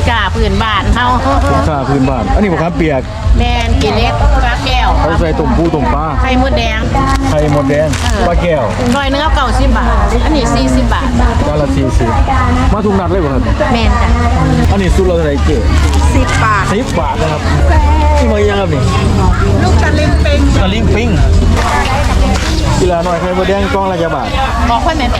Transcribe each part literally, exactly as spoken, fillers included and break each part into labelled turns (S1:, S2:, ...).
S1: กาพื้นบ้านเฮา
S2: สินค้าพื้นบ้านอันนี้มะขามเปียก
S1: แมนกิเล็กปลาแก้ว
S2: เขาใส่ตุ่มปูตุ่มปลา
S1: ไข่มดแดง
S2: ไข่มดแดงปลาแก้ว
S1: ร้อยเนื้อเก่าสิบบาทอันนี้สี่สิบบาท
S2: จานละสี่สิบมาทุกนัดเลยบ่ครับ
S1: แมนจ้ะ
S2: อันนี้สุดเราเท่าไหร่เจ๊
S1: สิบบาท
S2: สิบบาทนะครับนี่มายังครับนี่
S1: ลูกตะลิงปิง
S2: ตะลิงปิงกีฬาหน่อยไข่มดแดงกล่องละกี่บาท
S1: บอกค่อยแม่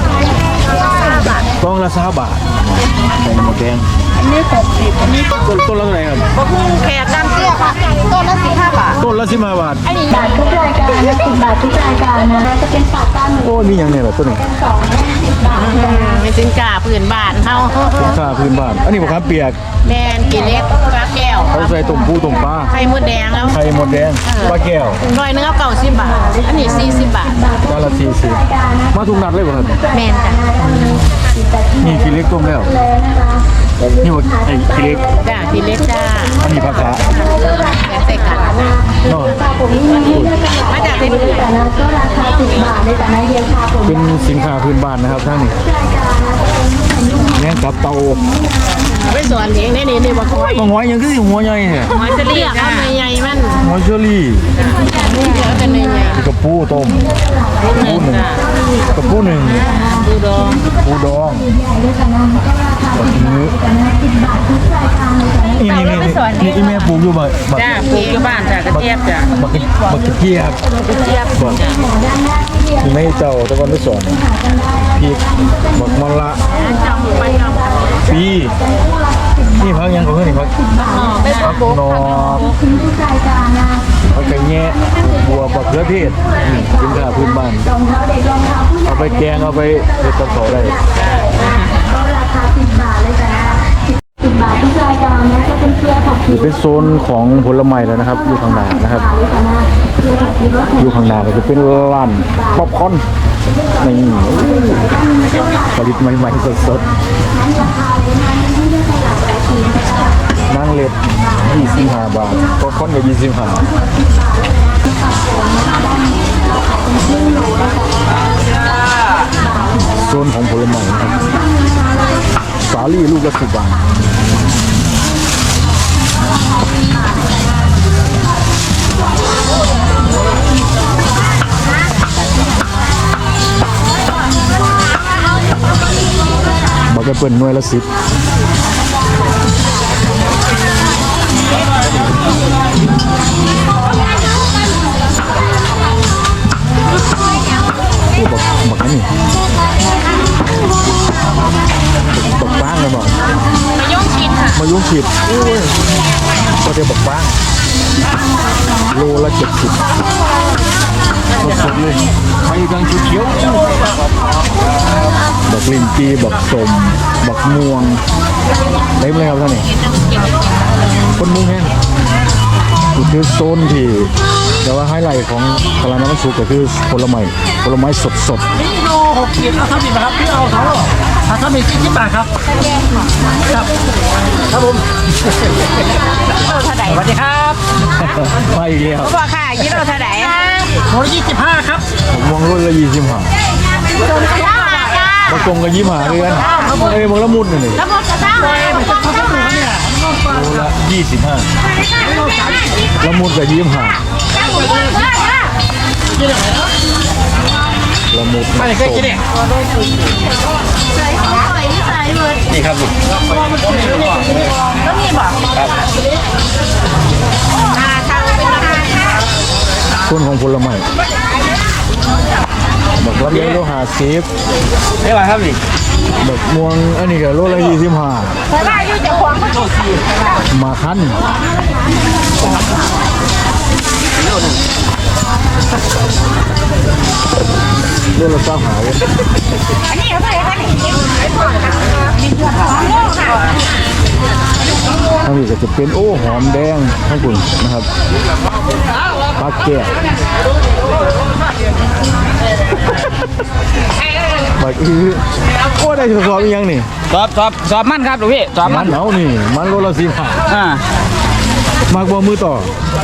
S2: กล่องละสามบาทไข่มดแดง
S1: อันนี้หกสิบอันนี้
S2: ต้นต้นละเท่าไหร่ครับ
S1: บักหุ่งแขกน้ำเตี้ยค่ะต้นละสิบห้าบาท
S2: ต้นละสิบห้าบาท
S1: อันนี้
S3: บาททุกรายการและสิบบาททุกรายการนะจะเป็นปากตั้ง
S2: โอ้มีอย่างเนี่ยแบบต้นนี้
S3: สองสิบบาท
S1: เป็นสินค้าพื้นบ้านเฮา
S2: สินค้าพื้นบ้านอันนี้มะขามเปียก
S1: แมนกิเล็กปลาแก้ว
S2: เขาใส่ตุ่มปูตุ่มปลา
S1: ไข่มดแดงแล้ว
S2: ไข่มดแดงปลาแก้ว
S1: ร้อยเนื้อเก่าสิบบาทอันนี้สี่สิบบาท
S2: จานละสี่สิบมาทุกนัดเลยบ่ครับ
S1: แมนจ้ะ
S2: นี่กิเล็กต้มแล้วนี่ว่าไอ้กิเล็ก
S1: จ้ากิเล็กจ้า
S2: อันนี้ผักกาด
S1: ใส่กัน
S2: เนาะ
S1: มาจากที่นี่
S3: แต่ละก็ราคาสิบบาทในแต่ละเดียวค่ะผม
S2: เป็นสินค้าพื้นบ้านนะครับท่านนี่แง่กับเตา
S1: ไม่สอนเองนี่นี่นี่บอกว่า
S2: บางหัวยังคือหัวใหญ่เนี่ย
S1: หัวเฉลี่ยจ้าใหญ่มัน
S2: หัวเชอรี่
S1: เยอะกันใหญ่
S2: กระปูต้มปูหนึ่งกระปูหนึ่ง
S1: ปูดอง
S2: ปูดองแบบนี้นี่นี่นี่นี่ที่แม่ปลูกอยู่บ่บ่
S1: จ้าปลูกอยู่บ้านจ้ากระเจี๊ยบจ้า
S2: บักบักเจี๊ยบ
S1: กระเจี๊ยบ
S2: บ่นี่ไม่เจ้าตะวันไม่สอนพริกบักมะละปีนี่พักยังก็คือนี่พักพักนอพักไก่แง่บัวบักเขือเทศสินค้าพื้นบ้านเอาไปแกงเอาไปเฮ็ดกับข้าวได้
S3: ราคาสิบบาทเลยจ้ะสิบบาททุกรายการนะจะเป็นเกลือผักชี
S2: เป็นโซนของผลไม้แล้วนะครับอยู่ข้างหน้านะครับอยู่ข้างหน้าก็จะเป็นร้านป๊อปคอร์นนี่ผลิตใหม่ๆสดๆนั่งเล็ดยี่สิบห้าบาทป๊อปคอร์นก็ยี่สิบห้าโซนของผลไม้นะครับสาลี่ลูกละสิบบาทบอกจะเปิดหน่วยละสิบผู้บอกบอกนี่บอกบ้างเลยบอก
S1: มายุ่งกินค่ะ
S2: มายุ่งผิดก็จะบอกบ้างโลละเจ็ดสิบสดๆเลยไปกันเขียวบักลินจีบักสมบักม่วงเต็มเลยครับท่านนี่คนมุ่งแห้งคือโซนที่แต่ว่าไฮไลท์ของตลาดน้ำมันสุกก็คือผลไม้ผลไม้สดสด
S4: นี่โลหกขีดเอาทำอีกนะครับพี่เอาสองโลถ้าทำอีกสิบบาทครับครับครับผมสวัสดีครับ
S2: ไปอีกแล้ว
S1: พ่อค่ะยี่โลเท่าไหร่
S4: โลยี่สิบห้าครับ
S2: ม่วงรุ่นละยี่สิบห้าบางกงก็ยี่สิบห้าเดือนเอ้ยบางละมุดนี่
S1: ละมุดกระซ้ำเลยมันจะทำให้หนูเนี่ย
S2: โลละยี่สิบห้าละมุดกับยี่สิบห้าละมุด
S4: ไม่เคยกินเนี่ย
S2: นี่ครับ
S1: แล้วมีบอก
S2: ครับต้นของผลไม้บอกว่าเลี้ยงโลหะสิบ
S4: ไม่ไหวครับนี่
S2: บอกม่วงอันนี้ก็โลละยี่สิบห้ามาคั้นโลละเก้าหาเลยอันนี้เท่าไหร่คะนี่ทางนี้ก็จะเป็นโอ้หอมแดงทั้งคุณนะครับปลาแก้วบักอีโอ้ได้สอบอีกยังนี่
S4: สอบสอบสอบมันครับหลวงพี่สอบ
S2: มันเอานี่มันโลละสิบห้า
S4: อ่า
S2: มากบอมือต่อ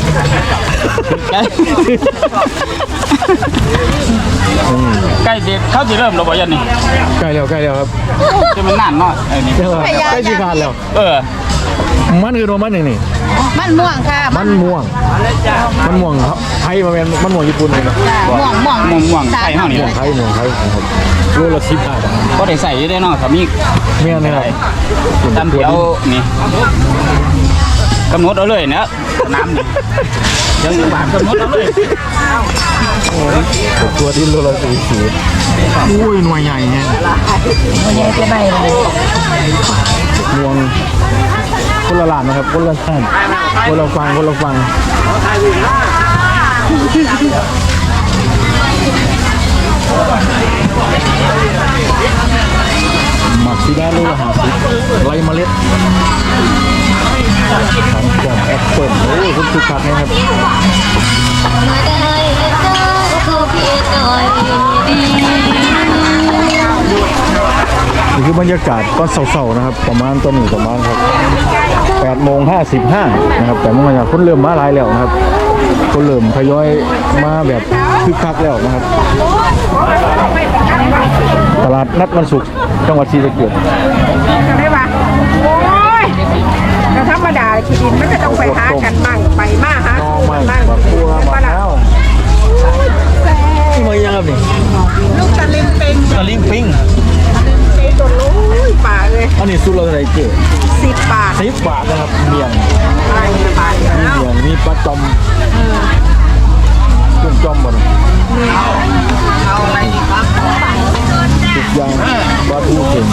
S5: ใกล้เด็กเขาจะเริ่มแล้วบ่ยันนี่
S2: ใกล้แล้วใกล้แล้วครับ
S5: จะมันนานเนาะไอ้นี่
S2: ใกล้สีขาดแล้ว
S5: เออ
S2: มันคือโนมันหนึ่งนี่
S1: มันม่วงค่ะ
S2: มันม่วงมันม่วงครับไทยมาเป็นมันม่วงญี่ปุ่นเลยนะ
S1: ม่วงม่วง
S5: ม่วงม่วงไข่เฮานี่
S2: ม่วงไทยม่วงไทยครับโลละสิบห้าบาท
S5: ก็ได้ใส่อยู่ได้เนาะถ้ามี
S2: เมียนี่ครับ
S5: ตำเดียวนี่กำหนดเอาเลยนะน้ำนี่เดี๋ยวอยู่บ้านกำหนดเอาเลย
S2: ตัวที่โลละสี่สิบอุ้ยหน่วยใหญ่เนี่ย
S1: มันยังจะใบเลย
S2: ม่วงคนละหลานนะครับคนละท่านคนละฟังคนละฟังหมักซีด้าโลละห้าสิบไรเมล็ดของแกมแอปเปิลโอ้ยคุณสุขัดนะครับ
S3: มาได้เลยเจ้าเขาเพียงหน่อยดี
S2: นี่คือบรรยากาศก็เศร้าๆนะครับประมาณตัวนี้ประมาณครับแปดโมงห้าสิบห้านะครับแต่เมื่อวานคนเริ่มมาหลายแล้วนะครับคนเริ่มทยอยมาแบบคึกคักแล้วนะครับตลาดนัดวันศุกร์จังหวัดศรีสะเกษ
S1: ได้ปะโอ้ยก็ธรรมดาขี้ดินมันจะต้องไปหากันบ้างไปมาหา
S2: น้องใหม่
S1: บ้าง
S2: บักบัวบักแล้วมายังครับนี่
S1: ลูกตะลิมเป็น
S2: ตะลิงปิง
S1: เป็นตัวลูกป่าเลย
S2: อันนี้สุดเราเท่าไหร่เจ๊
S1: สิบบาท
S2: สิบบาทนะครับเมียง
S1: ไปไป
S2: มีเมียงมีปลาจอมกุ้งจอมบ่นะ
S1: เอาอะไรดีครับ
S2: ทุกอย่างปลาทูเข็ง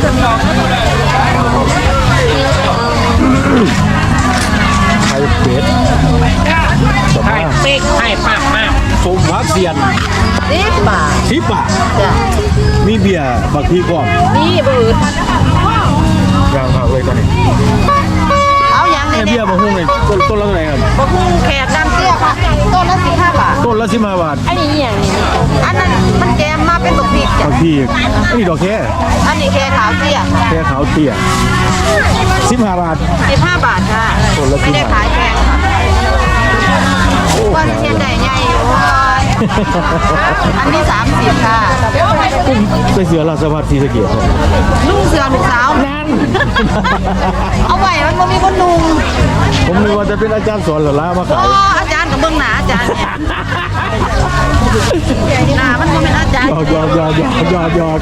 S2: ไข่เป็ดสมา
S1: เป๊กให้ปากมาก
S2: สมพักเสียน
S1: สิบบาท
S2: สิบบาท
S1: จ้ะ
S2: มีเบียร์บักทีก่อน
S1: นี่บืด
S2: ย่างผักเลยตอนนี้
S1: เอาอย่าง
S2: ไอ้
S1: นี้
S2: เบียร์บักฮุ้งเลยต้นต้นละเท่าไหร่ครับ
S1: บะคุ้งแขกน้ำเตี้ยค่ะต้นละสิบห้าบาท
S2: ต้นละสิบห้าบาท
S1: อันนี้อย่างนี้อันนั้นมันแกมมาเป็นบักพริกจ้ะ
S2: บางทีอันนี้ดอกแค่
S1: อันนี้แค่ขาวเตี้ย
S2: แค่ขาวเตี้ยสิบห้าบาท
S1: สิบห้าบาทค่ะ
S2: ต้นละสิ
S1: ไม่
S2: บ
S1: ได้
S2: ห้า
S1: ขายแพงค่ะว่าเทียนใหญ่ใหญ่อยู่ว่าอันนี้สามสิบค่ะ
S2: ไปเสือราชพัฒน์ศรีสะเกษครับ
S1: นุ่งเสือลูกสาวนั่นเอาไว้มันบ่มีคนนุ่ง
S2: ผมนึกว่าจะเป็นอาจารย์สอนเหรอล่ามาขาย
S1: อ๋ออาจารย์กับเบื้องหน้าอาจารย์เนี่ยหน้ามันบ่เป็นอาจารย์
S2: หยอกหยอกหยอกหยอกหยอกหยอก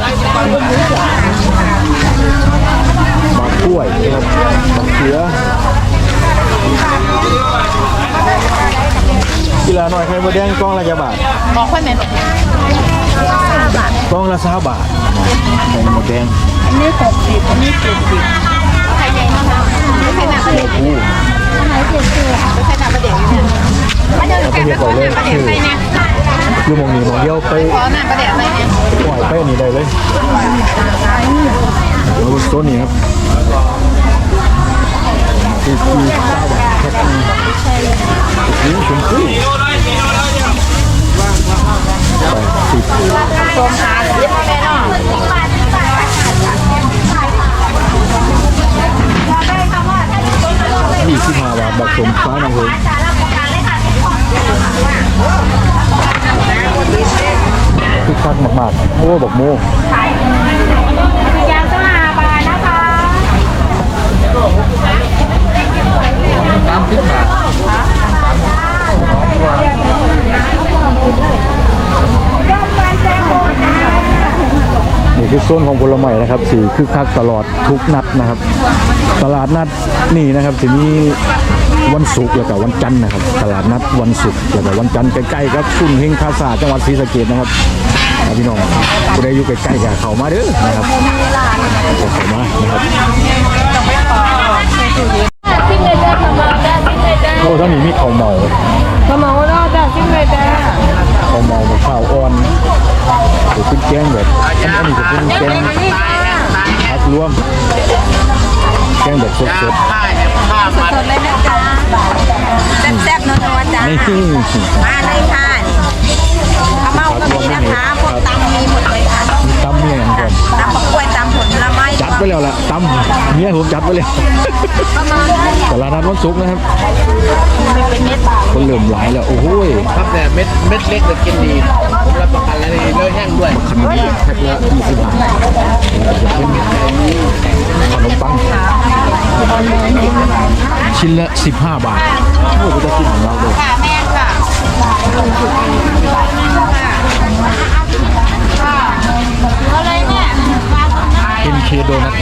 S2: หมากกล้วยนะครับหมากเขือกีฬาหน่อยใครมาแดงกล้องละกี่บาท
S1: บอกค่อยแม่น
S2: กล้องละสามบาทใส่หมดแดง
S1: อันนี้หกสิบอันนี้เจ็ดสิบใครใหญ่มากคะไม่ใช่หน้าประเด็น
S2: อู้
S1: ไม่ใช่หน้าประเด็นอยู่เนี่ยมาเดินกันมาขอหน้าประเด็นไปเนี่ย
S2: อยู่หมองนี้หมองเดียวไป
S1: ขอหน้าประเด็นไปเนี่ย
S2: ปล่อยไปอันนี้ได้เลยแล้วโซนนี้ครับคือคือเก้าบาทครับนี่ชมพู่สิบ
S1: ชมหาเย็บไปเนาะ
S2: ยี่สิบห้าบาทบักสมฟ้าหนังเลยคือคักมากๆโอ้บักโม
S1: ยางสลาบาทนะคะ
S2: สามสิบบาทนี่คือโซนของผลไม้นะครับสีคือคักตลอดทุกนัดนะครับ ตลาดนัดนี่นะครับจะมีวันศุกร์แล้วก็วันจันทร์นะครับ ตลาดนัดวันศุกร์แล้วก็วันจันทร์ใกล้ๆครับซุ่นเฮงคาซาจังหวัดศรีสะเกษนะครับพี่น้องผู้ใดอยู่ใกล้ๆกับเขามาเด้อนะครับเข้ามานะครับ
S3: ซิงเลยจ้าขมาจ้าซิงเลยจ้า
S2: โอ้ท่านนี้มีข้าวเมา
S1: ขมเอาแล้วจ้ะซิ่งเลยจ้ะ
S2: ข้าวเมากับข้าวอ่อนหรือเป็นแกงแบบอันอันนี้จะเป็นแกงผักรวมแกงแบบสด
S1: สดเลยนะจ๊ะแซ่บๆนัวๆจ้ะ
S2: ๆนี่
S1: มาเลยค่ะข้าวเมาก็มีนะคะพวกตำมีหมดเลยค่ะ
S2: มีตำเมียอย่างก่อน
S1: ตำบักกล้วยตำผลไม้
S2: จัดไปแล้วแหละตำเมียผมจัดไปเลยตลาดนัดวันศุกร์นะครับคนเหลื่อมหลายแล้วโอ้โห
S6: ครับเนี่ยเม็ดเม็ดเล็กแต่กินดีผมรับประกันแล้วนี่เลือแห้งด้วย
S2: ขนมแพ็คละยี่สิบบาทขนมปังชิ้นละสิบห้าบาทโอ้โหจะกินของเราเลย
S1: ค่ะแม่ค่ะอะไรเนี่ย
S2: เอ็นเคโดนัท